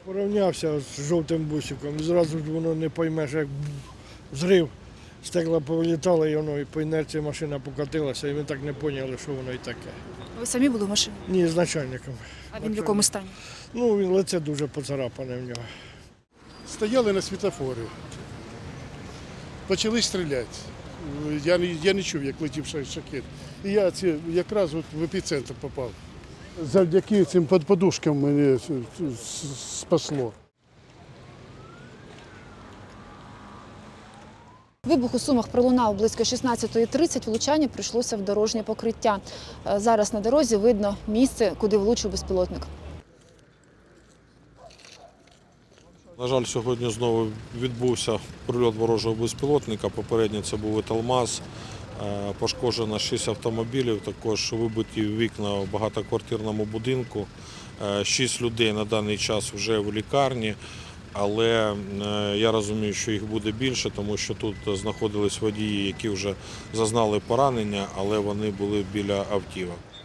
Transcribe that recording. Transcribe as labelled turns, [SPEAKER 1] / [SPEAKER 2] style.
[SPEAKER 1] Порівнявся з жовтим бусиком, і зразу ж воно не поймеш, як взрив. Стекла повилітали, і воно і по інерції машина покотилася, і ми так не поняли, що воно і таке.
[SPEAKER 2] Ви самі були в машині?
[SPEAKER 1] Ні, з начальником.
[SPEAKER 2] А він в якому стані?
[SPEAKER 1] Ну, він лице дуже поцарапане в нього.
[SPEAKER 3] Стояли на світофорі, почали стріляти. Я не чув, як летів шахет. І я якраз в епіцентр попав. Завдяки цим подушкам мене спасло.
[SPEAKER 2] Вибух у Сумах пролунав близько 16:30, влучання прийшлося в дорожнє покриття. Зараз на дорозі видно місце, куди влучив безпілотник.
[SPEAKER 4] На жаль, сьогодні знову відбувся прильот ворожого безпілотника. Попередньо це був «Еталмаз». Пошкоджено 6 автомобілів, також вибиті вікна в багатоквартирному будинку. 6 людей на даний час вже в лікарні, але я розумію, що їх буде більше, тому що тут знаходились водії, які вже зазнали поранення, але вони були біля автівок.